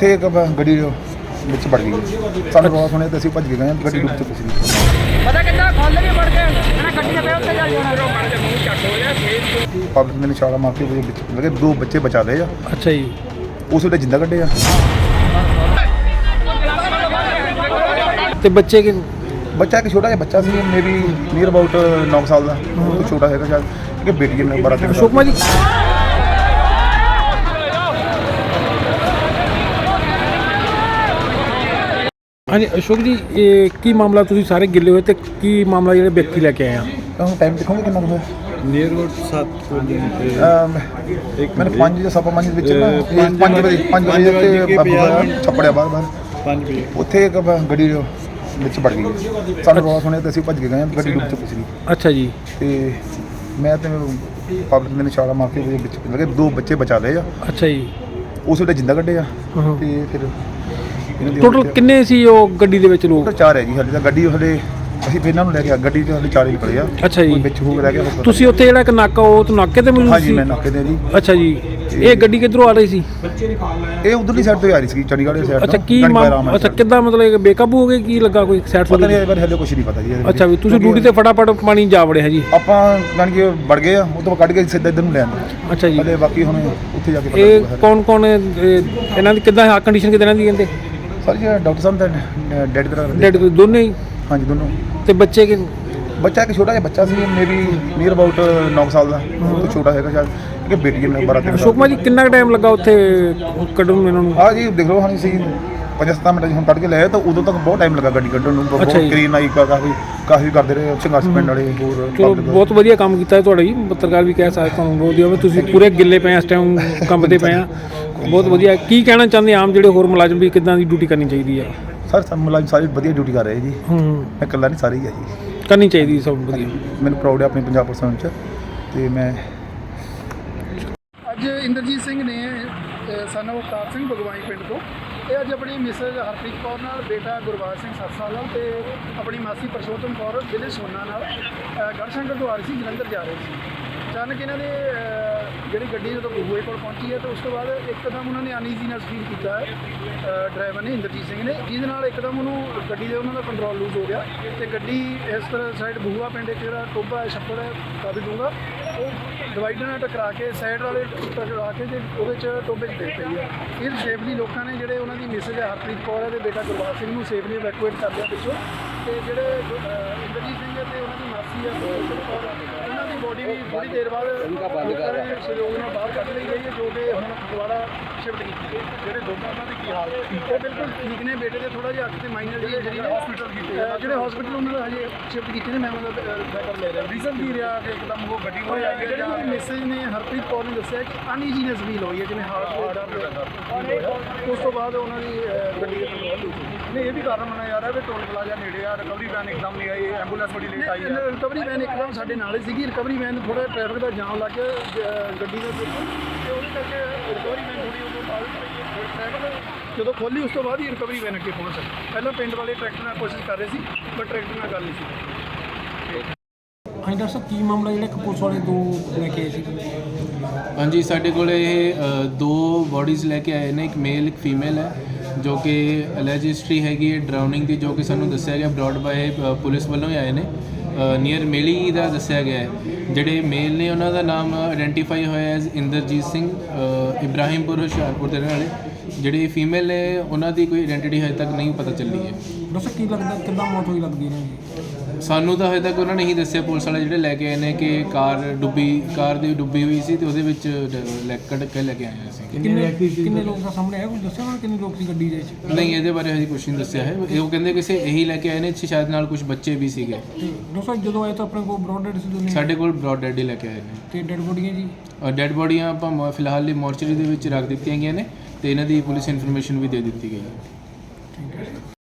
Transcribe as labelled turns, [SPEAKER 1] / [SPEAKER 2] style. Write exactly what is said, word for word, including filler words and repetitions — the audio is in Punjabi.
[SPEAKER 1] ਉੱਥੇ ਇੱਕ ਗੱਡੀ ਵਿੱਚ ਵੜ ਗਈ। ਸਾਨੂੰ ਰੌਲਾ ਸੁਣਿਆ ਤੇ ਅਸੀਂ ਭੱਜ ਕੇ ਗਏ ਹਾਂ, ਗੱਡੀ ਡੁੱਬ ਚੁੱਕੀ ਸੀ।
[SPEAKER 2] ਪਤਾ ਕਿੱਦਾਂ ਖੋਲ ਕੇ ਵੜ ਕੇ ਇਹਨਾਂ ਗੱਡੀ ਦੇ ਪੇ ਉੱਤੇ ਚੱਲ ਜਾਣਾ।
[SPEAKER 1] ਪਬਲਿਕ ਨੇ ਛਾਲਾ ਮਾਰ ਕੇ ਉਹਦੇ ਵਿੱਚ ਲੱਗੇ, ਦੋ ਬੱਚੇ ਬਚਾ ਲਏ ਆ।
[SPEAKER 2] ਅੱਛਾ ਜੀ,
[SPEAKER 1] ਉਸ ਵੇਲੇ ਜਿੰਦਾ ਕੱਢੇ ਆ।
[SPEAKER 2] ਤੇ ਬੱਚੇ ਕਿ
[SPEAKER 1] ਬੱਚਾ ਇੱਕ ਛੋਟਾ ਜਿਹਾ ਬੱਚਾ ਸੀ, ਮੇਬੀ ਨੀਅਰ ਅਬਾਊਟ ਨੌ ਸਾਲ ਦਾ, ਉਹ ਤੋਂ ਛੋਟਾ ਹੈਗਾ ਸ਼ਾਇਦ, ਕਿ ਬੇਟੀ ਨੇ ਬਾਰਾਂ ਤੇਰਾਂ।
[SPEAKER 2] ਅਸ਼ੋਕ ਕੁਮਾਰ ਜੀ, ਹਾਂਜੀ ਅਸ਼ੋਕ ਜੀ, ਇਹ ਕੀ ਮਾਮਲਾ? ਤੁਸੀਂ ਸਾਰੇ ਗਿੱਲੇ ਹੋਏ ਤੇ ਕੀ ਮਾਮਲਾ ਜਿਹੜੇ ਵਿਅਕਤੀ ਲੈ ਕੇ ਆਏ ਆ?
[SPEAKER 1] ਹੁਣ ਟਾਈਮ ਦੇਖੋਗੇ ਕਿੰਨਾ ਕੁ ਹੋਇਆ?
[SPEAKER 3] ਨੀਅਰ ਅਬਾਊਟ ਸੱਤ ਵਜੇ
[SPEAKER 1] ਮੈਨੂੰ ਪੰਜ ਜਾਂ ਸਵਾ ਪੰਜ ਵਿੱਚ ਨਾ ਪੰਜ ਵਜੇ ਪੰਜ ਵਜੇ ਤੇ ਛੱਪੜਿਆ ਬਾਹਰ ਬਾਹਰ
[SPEAKER 3] ਪੰਜ ਵਜੇ
[SPEAKER 1] ਉੱਥੇ ਇੱਕ ਗੱਡੀ ਵਿੱਚ ਵੜ ਗਈ। ਸਾਨੂੰ ਰੌਲਾ ਸੁਣਿਆ ਤੇ ਅਸੀਂ ਭੱਜ ਕੇ ਗਏ ਹਾਂ, ਗੱਡੀ ਡੁੱਬ ਚੁੱਕੀ ਸੀ।
[SPEAKER 2] ਅੱਛਾ ਜੀ,
[SPEAKER 1] ਤੇ ਮੈਂ ਤੇ ਪਬਲਿਕ ਨੇ ਛਾਲਾ ਮਾਰ ਕੇ ਉਹਦੇ ਵਿੱਚ ਲੱਗੇ, ਦੋ ਬੱਚੇ ਬਚਾ ਲਏ ਆ।
[SPEAKER 2] ਅੱਛਾ ਜੀ,
[SPEAKER 1] ਉਸ ਵੇਲੇ ਜਿੰਦਾ ਕੱਢੇ ਆ।
[SPEAKER 2] ਹਾਂ।
[SPEAKER 1] ਤੇ ਫਿਰ ਇਹਨਾਂ ਦੀ
[SPEAKER 2] ਟੋਟਲ ਕਿੰਨੇ ਸੀ ਉਹ ਗੱਡੀ ਦੇ ਵਿੱਚ ਲੋਕ?
[SPEAKER 1] ਟੋਟਲ ਚਾਰ ਹੈ ਜੀ। ਹਾਲੇ ਤਾਂ ਗੱਡੀ ਹਲੇ ਅਸੀਂ ਫਿਰ ਇਹਨਾਂ ਨੂੰ ਲੈ ਕੇ ਆ, ਗੱਡੀ 'ਚ ਹਲੇ ਚਾਰ ਹੀ ਨਿਕਲੇ ਆ।
[SPEAKER 2] ਅੱਛਾ ਜੀ,
[SPEAKER 1] ਕੋਈ ਵਿੱਚ ਹੋ ਰਹਿ ਗਿਆ ਹੋਊਗਾ।
[SPEAKER 2] ਤੁਸੀਂ ਉੱਥੇ ਜਿਹੜਾ ਇੱਕ ਨਾਕਾ ਉਹ ਤੋਂ ਨਾਕੇ ਤੇ ਮੌਜੂਦ
[SPEAKER 1] ਹਾਂਜੀ,
[SPEAKER 2] ਸੀ?
[SPEAKER 1] ਮੈਂ ਨਾਕੇ ਤੇ ਜੀ।
[SPEAKER 2] ਅੱਛਾ ਜੀ, ਇਹ ਗੱਡੀ ਕਿੱਧਰੋਂ ਆ ਰਹੀ ਸੀ?
[SPEAKER 1] ਇਹ ਉਧਰਲੀ ਸਾਈਡ ਤੋਂ ਹੀ ਆ ਰਹੀ ਸੀ, ਚੰਡੀਗੜ੍ਹ ਵਾਲੀ ਸਾਈਡ ਤੋਂ।
[SPEAKER 2] ਅੱਛਾ, ਕੀ ਮਾਮ ਅੱਛਾ ਕਿੱਦਾਂ ਮਤਲਬ ਬੇਕਾਬੂ ਹੋ ਗਏ? ਕੀ ਲੱਗਾ, ਕੋਈ ਸਾਈਡ
[SPEAKER 1] ਪਤਾ ਨਹੀਂ, ਇਹ ਬਾਰੇ ਹਲੇ ਕੁਝ ਨਹੀਂ ਪਤਾ ਜੀ।
[SPEAKER 2] ਅੱਛਾ ਵੀ ਤੁਸੀਂ ਡਿਊਟੀ ਤੇ ਫਟਾਫਟ ਪਾਣੀ ਜਾ ਵੜੇ ਹੈ ਜੀ?
[SPEAKER 1] ਆਪਾਂ ਜਾਣੀ ਕਿ ਵੜ ਗਏ ਆ, ਉਹ ਤੋਂ ਕੱਢ ਕੇ ਸਿੱਧਾ ਇੱਧਰ ਨੂੰ ਲੈ ਆਂਦੇ।
[SPEAKER 2] ਅੱਛਾ ਜੀ,
[SPEAKER 1] ਹਲੇ ਬਾਕੀ ਹੁਣ ਉੱਥੇ ਜਾ ਕੇ ਪਤਾ
[SPEAKER 2] ਇਹ
[SPEAKER 1] ਲੱਗੂਗਾ।
[SPEAKER 2] ਕੌਣ ਕੌਣ ਇਹਨਾਂ ਦੀ ਕਿੱਦਾਂ ਕੰਡੀਸ਼ਨ ਕਿੱਦਾਂ ਇਹਨਾਂ ਦੀ ਕਹਿੰਦੇ?
[SPEAKER 1] ਸਰ ਜੀ ਡਾਕਟਰ ਸਾਹਿਬ ਦਾ ਡੈਡ ਕਰਾ ਰਹੇ।
[SPEAKER 2] ਡੈਡ ਦੋਨੇ ਹੀ?
[SPEAKER 1] ਹਾਂਜੀ, ਦੋਨੋਂ।
[SPEAKER 2] ਤੇ ਬੱਚੇ ਕਿ
[SPEAKER 1] ਬੱਚਾ ਇੱਕ ਛੋਟਾ ਜਿਹਾ ਬੱਚਾ ਸੀ, ਮੇਬੀ ਨੀਅਰ ਅਬਾਊਟ ਨੌ ਸਾਲ ਦਾ, ਉਹ ਤੋਂ ਛੋਟਾ ਹੈਗਾ ਸ਼ਾਇਦ, ਕਿ ਬੇਟੀ ਨੇ ਬਾਰਾਂ ਤੇਰਾਂ।
[SPEAKER 2] ਅਸ਼ੋਕ ਕੁਮਾਰ ਜੀ, ਕਿੰਨਾ ਟਾਈਮ ਲੱਗਾ ਉੱਥੇ ਕੱਢਣ ਨੂੰ ਇਹਨਾਂ ਨੂੰ?
[SPEAKER 1] ਹਾਂ ਜੀ, ਦੇਖ ਲਓ ਹਾਂ ਸੀ ਪੰਜਾਹ ਸੱਤਾਂ ਮਿੰਟ ਹੁਣ ਕੱਢ ਕੇ ਲਿਆਏ, ਤਾਂ ਉਦੋਂ ਤੱਕ ਬਹੁਤ ਟਾਈਮ ਲੱਗਾ ਗੱਡੀ ਕੱਢਣ ਨੂੰ। ਬਹੁਤ ਕਰੀਨ ਆਈ, ਕਾਫੀ ਕਾਫੀ ਕਰਦੇ ਰਹੇ ਸੰਘਰਸ਼ ਪਿੰਡ ਵਾਲੇ ਹੋਰ।
[SPEAKER 2] ਚਲੋ ਬਹੁਤ ਵਧੀਆ ਕੰਮ ਕੀਤਾ ਤੁਹਾਡਾ ਜੀ, ਪੱਤਰਕਾਰ ਵੀ ਕਹਿ ਸਕਦੇ ਤੁਹਾਨੂੰ ਬਹੁਤ ਵਧੀਆ। ਤੁਸੀਂ ਪੂਰੇ ਗਿੱਲੇ ਪਏ ਇਸ ਟਾਈਮ, ਕੰਮ ਤੇ ਪਏ ਆ, ਬਹੁਤ ਵਧੀਆ। ਕੀ ਕਹਿਣਾ ਚਾਹੁੰਦੇ ਆਮ ਜਿਹੜੇ ਹੋਰ ਮੁਲਾਜ਼ਮ ਵੀ ਕਿੱਦਾਂ ਦੀ ਡਿਊਟੀ ਕਰਨੀ ਚਾਹੀਦੀ ਹੈ?
[SPEAKER 1] ਸਰ ਸਭ ਮੁਲਾਜ਼ਮ ਸਾਰੇ ਵਧੀਆ ਡਿਊਟੀ ਕਰ ਰਹੇ ਜੀ।
[SPEAKER 2] ਹੂੰ,
[SPEAKER 1] ਮੈਂ ਇਕੱਲਾ ਨਹੀਂ, ਸਾਰੇ ਹੀ ਆ ਜੀ।
[SPEAKER 2] ਕਰਨੀ ਚਾਹੀਦੀ ਸਭ ਵਧੀਆ।
[SPEAKER 1] ਮੈਨੂੰ ਪ੍ਰਾਊਡ ਹੈ ਆਪਣੇ ਪੰਜਾਬ ਪਰਸਨ 'ਚ। ਤੇ ਮੈਂ
[SPEAKER 4] ਅੱਜ ਇੰਦਰਜੀਤ ਸਿੰਘ ਨੇ ਸਨ ਆਫ ਅਵਤਾਰ ਸਿੰਘ ਭਗਵਾਈ ਪਿੰਡ ਤੋਂ, ਇਹ ਅੱਜ ਆਪਣੀ ਮਿਸਜ ਹਰਪ੍ਰੀਤ ਕੌਰ ਨਾਲ, ਬੇਟਾ ਗੁਰਬਾਜ ਸਿੰਘ ਸੱਤ ਸਾਲ ਨਾਲ, ਤੇ ਆਪਣੀ ਮਾਸੀ ਪਰਸ਼ੋਤਮ ਕੌਰ ਜ਼ਿਲ੍ਹੇ ਸੋਨਾ ਨਾਲ ਗੜਸ਼ੰਕਰ ਤੋਂ ਆ ਰਹੀ ਸੀ, ਜਲੰਧਰ ਜਾ ਰਹੇ ਸੀ। ਅਚਾਨਕ ਇਹਨਾਂ ਦੇ ਜਿਹੜੀ ਗੱਡੀ ਜਦੋਂ ਬਹੂਏ ਕੋਲ ਪਹੁੰਚੀ ਹੈ, ਤਾਂ ਉਸ ਤੋਂ ਬਾਅਦ ਇੱਕਦਮ ਉਹਨਾਂ ਨੇ ਅਨਈਜ਼ੀਨੈਸ ਫੀਲ ਕੀਤਾ ਹੈ ਡਰਾਈਵਰ ਨੇ, ਇੰਦਰਜੀਤ ਸਿੰਘ ਨੇ, ਜਿਹਦੇ ਨਾਲ ਇੱਕਦਮ ਉਹਨੂੰ ਗੱਡੀ ਦੇ ਉਹਨਾਂ ਦਾ ਕੰਟਰੋਲ ਲੂਜ਼ ਹੋ ਗਿਆ ਤੇ ਗੱਡੀ ਇਸ ਤਰ੍ਹਾਂ ਸਾਈਡ ਬਹੂਆ ਪਿੰਡ ਇੱਕ ਜਿਹੜਾ ਟੋਭਾ ਹੈ, ਛੱਪੜ ਹੈ ਕਾਫੀ ਡੂੰਘਾ, ਉਹ ਡਿਵਾਈਡਰ ਨਾਲ ਟਕਰਾ ਕੇ ਸਾਈਡ ਵਾਲੇ ਟਕਰਾ ਕੇ ਤੇ ਉਹਦੇ 'ਚ ਟੋਭੇ 'ਚ ਡਿੱਗ ਪਈ ਹੈ। ਫਿਰ ਸੇਫਲੀ ਲੋਕਾਂ ਨੇ ਜਿਹੜੇ ਉਹਨਾਂ ਦੀ ਮਿਸਜ ਹੈ ਹਰਪ੍ਰੀਤ ਕੌਰ ਹੈ ਤੇ ਬੇਟਾ ਗੁਰਬਾਜ ਸਿੰਘ ਨੂੰ ਸੇਫਲੀ ਇਵੈਕੂਏਟ ਕਰ ਲਿਆ ਪਿੱਛੋਂ, ਤੇ ਜਿਹੜੇ ਇੰਦਰਜੀਤ ਸਿੰਘ ਹੈ ਤੇ ਉਹਨਾਂ ਦੀ ਮਾਸੀ ਹੈ ਪਰਸ਼ੋਤਮ ਕੌਰ, ਉਹਨਾਂ ਦੀ ਬੋਡੀ ਵੀ ਥੋੜ੍ਹੀ ਦੇਰ ਬਾਅਦ ਲੋਕਾਂ ਦੇ ਸਹਿਯੋਗ ਨਾਲ ਬਾਹਰ ਕੱਢ ਲਈ ਗਈ ਹੈ, ਜੋ ਕਿ ਹੁਣ ਦੁਬਾਰਾ ਸ਼ਿਫਟ ਕੀਤੀ ਹੈ। ਜਿਹੜੇ ਦੋਨਾਂ ਦਾ ਕੀ ਹਾਲ ਹੈ? ਉਹ ਬਿਲਕੁਲ ਠੀਕ ਨੇ, ਬੇਟੇ ਦੇ ਥੋੜ੍ਹਾ ਜਿਹਾ ਅੱਖ ਤੇ ਮਾਈਨਰ ਜਿਹੀ ਇੰਜਰੀ ਨੇ, ਹਸਪੀਟਲ ਕੀਤੇ ਜਿਹੜੇ ਹਸਪੀਟਲ ਉਹਨਾਂ ਦਾ ਹਜੇ ਸ਼ਿਫਟ ਕੀਤੇ ਨੇ। ਮੈਂ ਉਹਨਾਂ ਦਾ ਰੈਫਰ ਲੈ ਰਿਹਾ। ਰੀਜ਼ਨ ਕੀ ਰਿਹਾ ਕਿ ਇੱਕਦਮ ਉਹ ਗੱਡੀ ਹੋਈ ਹੈ? ਜਿਹੜੀ ਮੈਸੇਜ ਨੇ ਹਰਪ੍ਰੀਤ ਕੌਰ ਨੇ ਦੱਸਿਆ ਕਿ ਅਨਈਜ਼ੀਨੈਸ ਫੀਲ ਹੋਈ ਹੈ, ਜਿਵੇਂ ਹਾਰਟ ਰੇਟ। ਉਸ ਤੋਂ ਬਾਅਦ ਉਹਨਾਂ ਦੀ ਗੱਡੀ ਦੇ ਕੰਟਰੋਲ ਹੋਈ।
[SPEAKER 3] ਨਹੀਂ, ਇਹ ਵੀ ਕਾਰਨ ਮੰਨਿਆ ਜਾ ਰਿਹਾ ਵੀ ਟੋਲ ਪਲਾਜ਼ਾ ਨੇੜੇ ਆ, ਰਿਕਵਰੀ ਵੈਨ ਇੱਕਦਮ ਨਹੀਂ ਆਈ, ਐਂਬੂਲੈਂਸ ਬੜੀ ਲੇਟ ਆਈ ਹੈ।
[SPEAKER 4] ਰਿਕਵਰੀ ਵੈਨ ਇੱਕਦਮ ਸਾਡੇ ਨਾਲ ਹੀ ਸੀਗੀ। ਰਿਕਵਰੀ ਵੈਨ ਥੋੜਾ ਟ੍ਰੈਫਿਕ ਦਾ ਜਾਮ ਲੱਗ ਗਿਆ ਗੱਡੀ ਦੇ ਵਿੱਚ, ਤੇ ਉਹਦੇ ਕਰਕੇ ਰਿਕਵਰੀ ਵੈਨ ਥੋੜੀ ਉਦੋਂ ਬਾਅਦ ਟ੍ਰੈਫਿਕ ਜਦੋਂ ਖੋਲੀ, ਉਸ ਤੋਂ ਬਾਅਦ ਹੀ ਰਿਕਵਰੀ ਵੈਨ ਅੱਗੇ ਪਹੁੰਚ ਸਕੀ। ਪਹਿਲਾਂ ਪਿੰਡ ਵਾਲੇ ਟਰੈਕਟਰ ਨਾਲ ਕੋਸ਼ਿਸ਼ ਕਰ ਰਹੇ ਸੀ, ਪਰ ਟਰੈਕਟਰ ਨਾਲ ਗੱਲ ਨਹੀਂ ਸੀ।
[SPEAKER 2] ਹਾਂਜੀ ਡਾਕਟਰ ਸਾਹਿਬ, ਕੀ ਮਾਮਲਾ ਜਿਹੜਾ ਇੱਕ ਪੁਲਿਸ ਵਾਲੇ ਦੋ ਲੈ ਕੇ ਆਏ ਸੀ?
[SPEAKER 5] ਹਾਂਜੀ, ਸਾਡੇ ਕੋਲ ਇਹ ਅ, ਦੋ ਬੋਡੀਜ਼ ਲੈ ਕੇ ਆਏ ਨੇ, ਇੱਕ ਮੇਲ ਇੱਕ ਫੀਮੇਲ ਹੈ, ਜੋ ਕਿ ਅਲੈਜ ਹਿਸਟਰੀ ਹੈਗੀ ਹੈ ਡਰਾਉਨਿੰਗ ਦੀ, ਜੋ ਕਿ ਸਾਨੂੰ ਦੱਸਿਆ ਗਿਆ ਬਰੋਡ ਬਾਏ ਪੁਲਿਸ ਵੱਲੋਂ ਹੀ ਆਏ ਨੇ। ਨੀਅਰ ਮੇਲੀ ਦਾ ਦੱਸਿਆ ਗਿਆ ਹੈ। ਜਿਹੜੇ ਮੇਲ ਨੇ ਉਹਨਾਂ ਦਾ ਨਾਮ ਆਇਡੈਂਟੀਫਾਈ ਹੋਇਆ ਐਜ਼ ਇੰਦਰਜੀਤ ਸਿੰਘ, ਇਬਰਾਹਿਮਪੁਰ ਹੁਸ਼ਿਆਰਪੁਰ ਦੇ ਰਹਿਣ ਵਾਲੇ। ਜਿਹੜੇ ਫੀਮੇਲ ਨੇ ਉਹਨਾਂ ਦੀ ਕੋਈ ਆਇਡੈਂਟੀਟੀ ਹਜੇ ਤੱਕ ਨਹੀਂ ਪਤਾ ਚੱਲੀ ਹੈ।
[SPEAKER 2] ਡਾਕਟਰ ਕੀ ਲੱਗਦਾ ਕਿੱਦਾਂ ਮੌਤ ਹੋਈ ਲੱਗਦੀ ਇਹਨਾਂ ਦੀ?
[SPEAKER 5] ਸਾਨੂੰ ਤਾਂ ਹਜੇ ਤੱਕ ਉਹਨਾਂ ਨੇ ਹੀ ਦੱਸਿਆ, ਪੁਲਿਸ ਵਾਲੇ ਜਿਹੜੇ ਲੈ ਕੇ ਆਏ ਨੇ, ਕਿ ਕਾਰ ਡੁੱਬੀ ਕਾਰ ਦੀ ਡੁੱਬੀ ਹੋਈ ਸੀ ਤੇ ਉਹਦੇ ਵਿੱਚ ਲੈ ਕੱਢ ਕੇ ਲੈ ਕੇ ਆਏ ਸੀ।
[SPEAKER 2] ਕਿੰਨੇ ਕਿੰਨੇ ਲੋਕ ਦਾ ਸਾਹਮਣੇ ਆਇਆ? ਕੁਝ ਦੱਸਿਆ ਉਹਨਾਂ ਕਿੰਨੇ ਲੋਕ ਸੀ ਗੱਡੀ ਦੇ ਵਿੱਚ?
[SPEAKER 5] ਨਹੀਂ, ਇਹਦੇ ਬਾਰੇ ਹਜੇ ਕੁਛ ਨਹੀਂ ਦੱਸਿਆ ਹੈ। ਉਹ ਕਹਿੰਦੇ ਕਿਸੇ ਇਹੀ ਲੈ ਕੇ ਆਏ ਨੇ, ਸ਼ਾਇਦ ਨਾਲ ਕੁਝ ਬੱਚੇ ਵੀ ਸੀਗੇ।
[SPEAKER 2] ਡਾਕਟਰ ਜਦੋਂ ਆਏ ਤਾਂ ਆਪਣੇ ਕੋਲ ਬਰੋਡ ਡੈਡ ਸੀ ਦੋਨੇ?
[SPEAKER 5] ਸਾਡੇ ਕੋਲ ਬਰੋਡ ਡੈਡ ਹੀ ਲੈ ਕੇ ਆਏ ਨੇ।
[SPEAKER 2] ਤੇ ਡੈਡ ਬੋਡੀਆਂ ਜੀ?
[SPEAKER 5] ਡੈਡ ਬੋਡੀਆਂ ਆਪਾਂ ਫਿਲਹਾਲ ਲਈ ਮੋਰਚਰੀ ਦੇ ਵਿੱਚ ਰੱਖ ਦਿੱਤੀਆਂ ਗਈਆਂ ਨੇ, ਤੇ ਇਹਨਾਂ ਦੀ ਪੁਲਿਸ ਇਨਫੋਰਮੇਸ਼ਨ ਵੀ ਦੇ ਦਿੱਤੀ ਗਈ ਹੈ।